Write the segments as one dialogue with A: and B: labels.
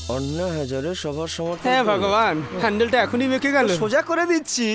A: অন্যায় হাজারে সবার সমর্থন।
B: হ্যাঁ ভগবান, হ্যান্ডেলটা এখনই বেঁকে গেল।
A: সোজা করে দিচ্ছি।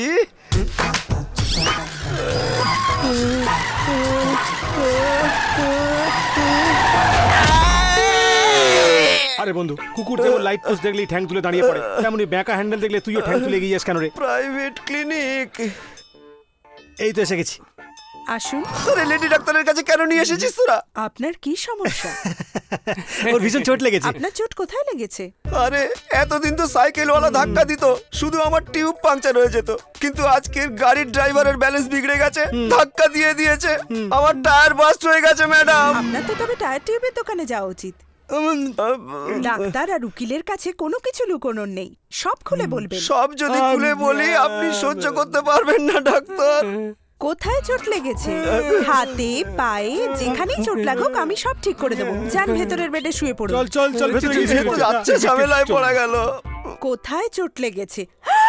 C: আরে বন্ধু, কুকুর যেমন লাইট পোস্ট দেখলেই ঠ্যাং তুলে দাঁড়িয়ে পড়ে, তেমনি ব্যাঁকা হ্যান্ডেল দেখলে তুইও ঠ্যাং তুলে এগিয়ে যাস কেন রে?
A: Private clinic.
C: এই তো এসে গেছি।
D: আসুন।
A: তোরে লেডি ডাক্তারের কাছে কেন নিয়ে এসেছিস তোরা?
D: আপনার কি সমস্যা?
C: ওর ভীষণ চোট লেগেছে।
D: আপনার চোট কোথায় লেগেছে?
A: আরে এতদিন তো সাইকেলওয়ালা ধাক্কা দিত, শুধু আমার টিউব পাংচার হয়ে যেত, কিন্তু আজকের গাড়ির ড্রাইভারের ব্যালেন্স বিগড়ে গেছে, ধাক্কা দিয়ে দিয়েছে, আমার টায়ার বাস্ট হয়ে গেছে ম্যাডাম।
D: আপনার তো তবে টায়ার টিউবের দোকানে যাওয়া উচিত। ডাক্তার আর উকিলের কাছে কোনো কিছু লুকোনোর নেই, সব খুলে বলবেন।
A: সব যদি খুলে বলি আপনি সহ্য করতে পারবেন না ডাক্তার।
D: কোথায় চোট লেগেছে? হাতে, পায়ে, যেখানেই চোট লাগুক আমি সব ঠিক করে দেবো। যান ভেতরের বেডে শুয়ে পড়ুন।
C: চল চল চল, ভেতরে গিয়ে শুয়ে পড়।
A: যাচ্ছে, ঝামেলায় পড়া গেল।
D: কোথায় চোট লেগেছে?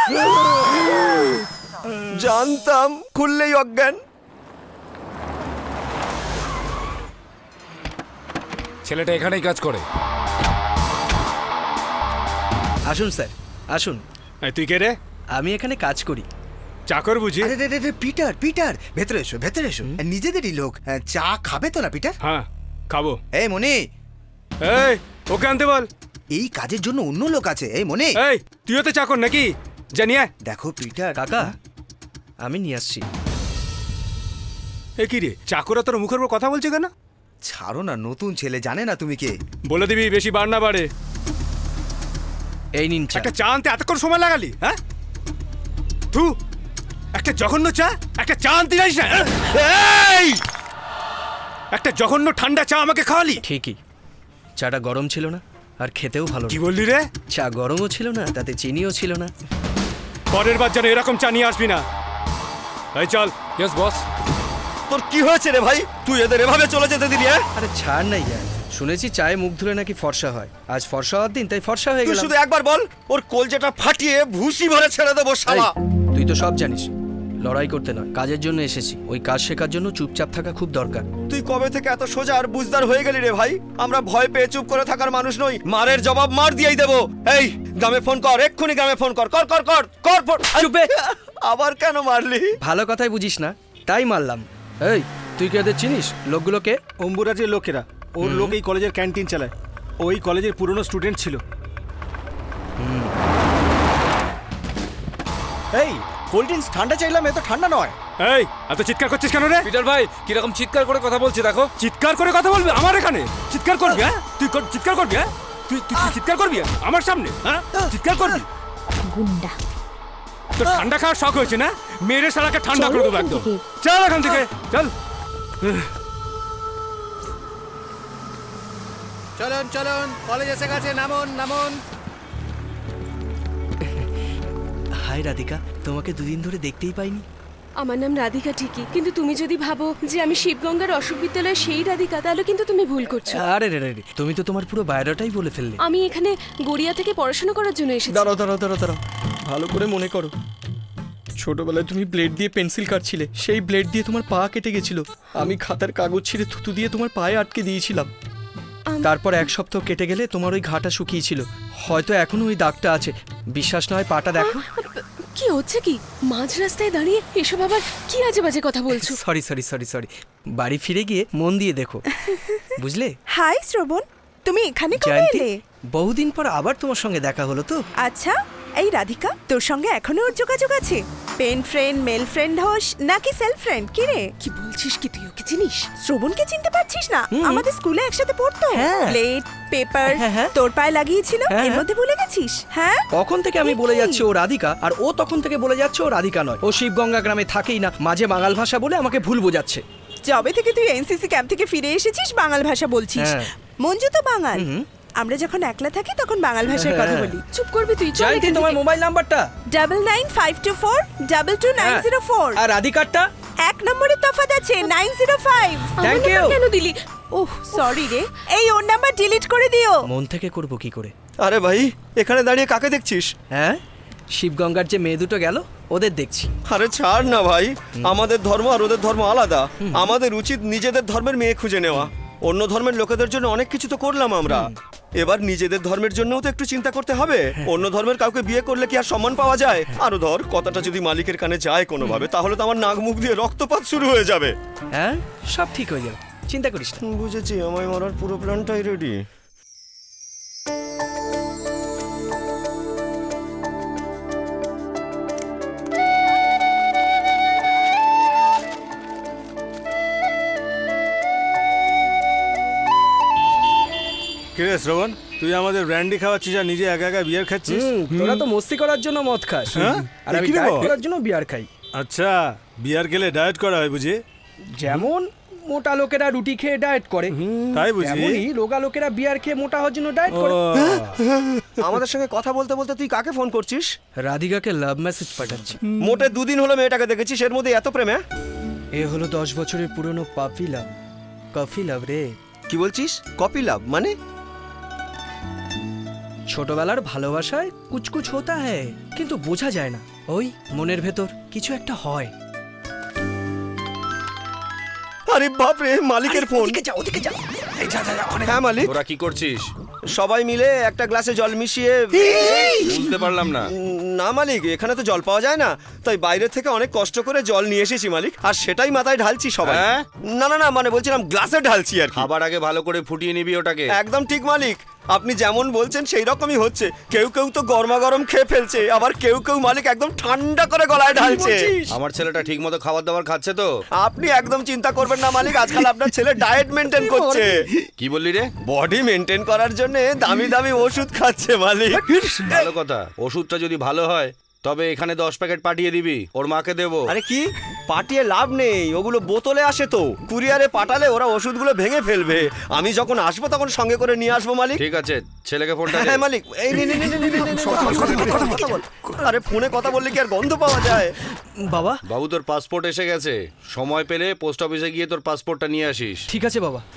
A: জানতাম খুললেই অজ্ঞান।
E: ছেলেটা এখানেই কাজ করে।
F: আসুন স্যার, আসুন।
C: এই, তুই কে রে?
F: আমি এখানে কাজ করি।
C: চাকর বুঝি?
G: আরে রে রে রে, পিটার পিটার ভেতরে এসো, ভেতরে এসো। নিজেদেরই লোক। চা খাবে তো না পিটার?
C: হ্যাঁ খাবো।
G: এই মনি,
C: এই ওকে আনতে বল।
G: এই কাজের জন্য অন্য লোক আছে। এই মনি,
C: এই তুইও তো চাকর নাকি? জানিয়ে
G: দেখো পিটার।
F: কাকা, আমি নিয়ে আসছি।
C: এ কি রে, চাকরা তোর মুখের উপর কথা বলছে কেন?
G: ছাড়ো না, নতুন ছেলে, জানে না তুমি কে।
C: বলে দিবি বেশি বার না বাড়ে।
F: এই নিন চা।
C: একটা চা আনতে এতক্ষণ সময় লাগালি? হ্যাঁ থু, একটা জঘন্য চা, একটা চা আনতে যাইস না? এই একটা জঘন্য ঠান্ডা চা আমাকে খাওয়ালি।
F: ঠিকই, চাটা গরম ছিল না আর খেতেও ভালো
C: কি
F: না।
C: বললি রে?
F: চা গরমও ছিল না, তাতে চিনিও ছিল না।
C: পরের বার যেন এরকম চা নিয়ে আসবি না। এই চল।
E: Yes boss.
A: তোর কি হয়েছে রে ভাই? তুই এদের এভাবে চলে যেতে দিলি? হ্যাঁ,
F: আরে ছাড় নাই ইয়ার, শুনেছি চায়ে মুখ ধুলে নাকি ফর্সা হয়। আজ ফর্সা হওয়ার দিন, তাই ফর্সা হয়ে
A: তুই
F: গেলাম।
A: শুধু একবার বল, ওর কলজেটা ফাটিয়ে ভুসি ভরে ছেড়ে দেবো
F: এই,
A: শালা।
F: তুই তো সব জানিস, লড়াই করতে নয় কাজের জন্য এসেছি। ওই কাজ শেখার জন্য চুপচাপ থাকা খুব দরকার।
A: তুই কবে থেকে এত সোজা আর বুঝদার হয়ে গেলি রে ভাই? আমরা ভয় পেয়ে চুপ করে থাকার মানুষ নই, মারের জবাব মার দিয়েই দেবো। এই গ্রামে ফোন কর, এক্ষুনি গ্রামে ফোন কর, কর কর কর কর ফোন।
F: চুপে।
A: আবার কেন মারলি?
F: ভালো কথাই বুঝিস না, তাই মারলাম। এই, তুই কি ওদের চিনিস? লোকগুলোকে?
C: অম্বুরাজের লোকেরা। ওর লোক এই কলেজের ক্যান্টিন চালায়। ওই কলেজের পুরনো স্টুডেন্ট ছিল।
A: এই কোল্ড ড্রিঙ্কস ঠান্ডা চাইলাম, এত ঠান্ডা নয়।
C: এই এত চিৎকার করছিস কেন রে?
E: পিটার ভাই কিরকম চিৎকার করে কথা বলছে দেখো।
C: চিৎকার করে কথা বলবি আমার এখানে? চিৎকার করবি? হ্যাঁ তুই চিৎকার করবি? হ্যাঁ তুই তুই চিৎকার করবি আমার সামনে? হ্যাঁ চিৎকার করবি?
H: গুন্ডা।
C: তোর ঠান্ডা খাওয়ার শখ হয়েছে না? মেরে শালাকে ঠান্ডা করে দেবো একদম। চল এখান থেকে চল।
G: চলুন চলুন, কলেজ এসে গেছে, নামুন নামুন।
F: হাই রাধিকা, তোমাকে দুদিন ধরে দেখতেই পাইনি।
H: আমার নাম রাধিকা ঠিকই, কিন্তু তুমি যদি ভাবো যে আমি শিবগঙ্গার অশোক বিদ্যালয়ের সেই রাধিকা, তাহলে কিন্তু তুমি ভুল করছো।
F: আরে রে রে রে, তুমি তো তোমার পুরো বায়োডাটাই বলে ফেললে।
H: আমি এখানে গড়িয়া থেকে পড়াশোনা করার জন্য এসেছি।
F: দাঁড়াও দাঁড়াও দাঁড়াও দাঁড়াও, ভালো করে মনে করো। ছোটবেলায় তুমি ব্লেড দিয়ে পেন্সিল কাটছিলে, সেই ব্লেড দিয়ে তোমার পা কেটে গেছিল। আমি খাতার কাগজ ছিঁড়ে থুতু দিয়ে তোমার পায়ে আটকে দিয়েছিলাম। তারপর এক সপ্তাহ কেটে গেলে তোমার ওই ঘাটা শুকিয়েছিল। হয়তো এখনো ওই দাগটা আছে। বিশ্বাস নয় পাটা দেখো।
H: কি হচ্ছে কি? মাঝ রাস্তায় দাঁড়িয়ে এসব আবার কি আজে বাজে কথা বলছো?
F: সরি সরি সরি সরি, বাড়ি ফিরে গিয়ে মন দিয়ে দেখো, বুঝলে?
D: হাই শ্রবণ, তুমি এখানে কবে
F: জয়ন্তী,
D: এলে?
F: বহুদিন পর আবার তোমার সঙ্গে দেখা হলো তো।
D: আচ্ছা, এই রাধিকা, তোর সঙ্গে এখনো ওর যোগাযোগ আছে? পেন ফ্রেন্ড, মেল ফ্রেন্ড হোস নাকি সেলফ ফ্রেন্ড? কি রে
H: কি বলছিস? কি তুই ওকে চিনিস?
D: শ্রবণকে চিনতে পারছিস না? আমাদের স্কুলে একসাথে পড়তো।
F: হ্যাঁ।
D: প্লেট পেপার
F: হ্যাঁ, হ্যাঁ।
D: তোর পায়ে লাগিয়েছিল,
F: হ্যাঁ,
D: এর
F: হ্যাঁ।
D: মধ্যে ভুলে গেছিস? হ্যাঁ,
F: তখন থেকে আমি বলে যাচ্ছি ও রাধিকা, আর ও তখন থেকে বলে যাচ্ছে ও রাধিকা নয়। ও শিবগঙ্গা গ্রামে থাকেই না, মাঝে বাঙাল ভাষা বলে আমাকে ভুল বোঝাচ্ছে।
D: যবে থেকে তুই এনসিসি ক্যাম্প থেকে ফিরে এসেছিস বাঙাল ভাষা বলছিস।
F: হ্যাঁ।
D: মঞ্জু তো বাঙাল। আমরা যখন একলা থাকি তখন বাঙাল ভাষায় কথা
F: হ্যাঁ।
D: বলি।
H: চুপ করবি তুই? চল
F: জয়ন্তী,
H: এখান
F: তোমার
H: থেকে।
F: মোবাইল নাম্বারটা?
D: 9952422904।
F: আর রাধিকারটা?
D: এক নম্বরের তফাৎ আছে, 905।
H: আমার
F: Thank
H: নাম্বার
F: you.
H: কেন দিলি?
D: ওহ সরি রে, এই ওর নাম্বার ডিলিট করে দিও।
F: মন থেকে করব কি করে?
A: আরে ভাই এখানে দাঁড়িয়ে কাকে দেখছিস?
F: হ্যাঁ, শিবগঙ্গার যে মেয়ে দুটো গেল ওদের দেখছি।
A: আরে ছাড় না ভাই, আমাদের ধর্ম আর ওদের ধর্ম আলাদা। আমাদের উচিত নিজেদের ধর্মের মেয়ে খুঁজে নেওয়া। অন্য ধর্মের লোকেদের জন্য অনেক কিছু তো করলাম আমরা। এবার নিজেদের ধর্মের জন্যও তো একটু চিন্তা করতে হবে। অন্য ধর্মের কাউকে বিয়ে করলে কি আর সম্মান পাওয়া যায়? আরো ধর, কথাটা যদি মালিকের কানে যায় কোনোভাবে, তাহলে তো আমার নাক মুখ দিয়ে রক্তপাত শুরু হয়ে যাবে।
F: হ্যাঁ, সব ঠিক হয়ে যাবে, চিন্তা করিস না।
A: বুঝেছি, আমায় মারার পুরো প্ল্যানটাই রেডি।
C: কিরে শ্রবণ, তুই আমাদের ব্র্যান্ডি খাওয়াচ্ছিস আর নিজে একা একা বিয়ার খাচ্ছিস?
F: তোরা তো মস্তি করার জন্য মদ খাস,
C: হ্যাঁ?
F: আর আমি
C: কি রে
F: ডায়েট
C: বাবা?
F: করার জন্য বিয়ার খাই।
C: আচ্ছা, বিয়ার খেলে ডায়েট করা হয় বুঝি?
F: যেমন মোটা লোকেরা রুটি খেয়ে ডায়েট করে,
C: তাই বুঝি?
F: তেমনই রোগা লোকেরা বিয়ার খেয়ে মোটা হওয়ার জন্য ডায়েট
C: ও,
F: করে।
A: আমাদের সঙ্গে কথা বলতে বলতে তুই কাকে ফোন করছিস?
F: রাধিকাকে লাভ মেসেজ পাঠাচ্ছি।
A: মোটে 2 দিন হলো মেয়েটাকে দেখেছিস, এর মধ্যে এত প্রেমে?
F: এ হলো 10 বছরের পুরনো পাপি লাভ, কফি লাভ রে।
A: কি বলছিস? কপি লাভ মানে?
F: ছোটবেলার ভালোবাসায় কুচকুচ হতা হ্যায়, কিন্তু বোঝা যায় না। ওই মনের ভেতর কিছু একটা হয়।
A: আরে বাপ রে, মালিকের ফোন। হ্যাঁ মালিক,
E: তোরা কি করছিস?
A: সবাই মিলে একটা গ্লাসে জল মিশিয়ে।
E: বুঝতে পারলাম না।
A: না মালিক, এখানে তো জল পাওয়া যায় না, তাই বাইরে থেকে অনেক কষ্ট করে জল নিয়ে এসেছি মালিক, আর সেটাই মাথায় ঢালছি সবাই।
E: হ্যাঁ?
A: না না না, মানে বলছিলাম গ্লাসে ঢালছি আর কি।
E: খাবার আগে ভালো করে ফুটিয়ে নিবি ওটাকে।
A: একদম ঠিক মালিক, আপনি যেমন বলছেন সেই রকমই হচ্ছে। কেউ কেউ তো গরমা গরম খেয়ে ফেলছে, আবার কেউ কেউ মালিক একদম ঠান্ডা করে গলায় ঢালছে।
E: আমার ছেলেটা ঠিক মতো খাবার দাবার খাচ্ছে তো?
A: আপনি একদম চিন্তা করবেন না মালিক, আজকাল আপনার ছেলে ডায়েট মেনটেন করছে।
E: কি বললি রে?
A: বডি মেনটেন করার জন্য দামি দামি ওষুধ খাচ্ছে মালিক।
E: ভালো কথা। ওষুধটা যদি ভালো হয় তবে এখানে 10 প্যাকেট পাঠিয়ে দিবি, ওর মাকে দেবো।
A: আরে কি, পাঠিয়ে লাভ নেই, ওগুলো বোতলে আসে তো। কুরিয়ারে পাঠালে ওরা ওষুধগুলো ভেঙে ফেলবে। আমি যখন আসবো তখন সঙ্গে করে নিয়ে আসবো মালিক।
E: ঠিক আছে, ছেলেকে ফোনটা দে।
A: হ্যাঁ মালিক, এই নে নে নে নে নে নে নে, কথা বল। আরে ফোনে কথা বললে কি আর গন্ধ পাওয়া যায়?
F: বাবা,
E: বাবু তোর পাসপোর্ট এসে গেছে, সময় পেলে পোস্ট অফিসে গিয়ে তোর পাসপোর্টটা নিয়ে আসিস।
F: ঠিক আছে বাবা,